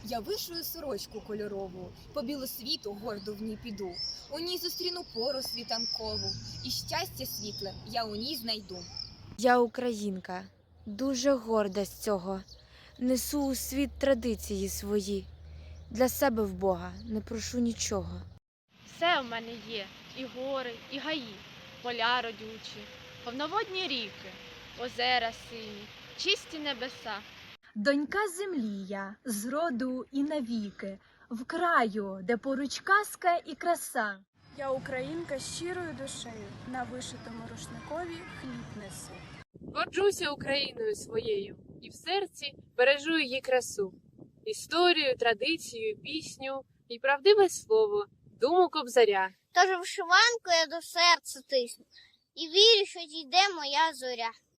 Я вишую сорочку кольорову, по білу світу гордо в ній піду. У ній зустріну пору світанкову, і щастя світле я у ній знайду. Я українка, дуже горда з цього. Несу у світ традиції свої. Для себе в Бога не прошу нічого. Все в мене є, і гори, і гаї, поля родючі, повноводні ріки, озера сині, чисті небеса. Донька землі я, з роду і навіки, в краю, де поруч казка і краса. Я українка з щирою душею, на вишитому рушникові хліб несу. Горджуся Україною своєю і в серці бережу її красу, історію, традицію, пісню і правдиве слово, думу Кобзаря. Тож вишиванку я до серця тисну, і вірю, що дійде моя зоря.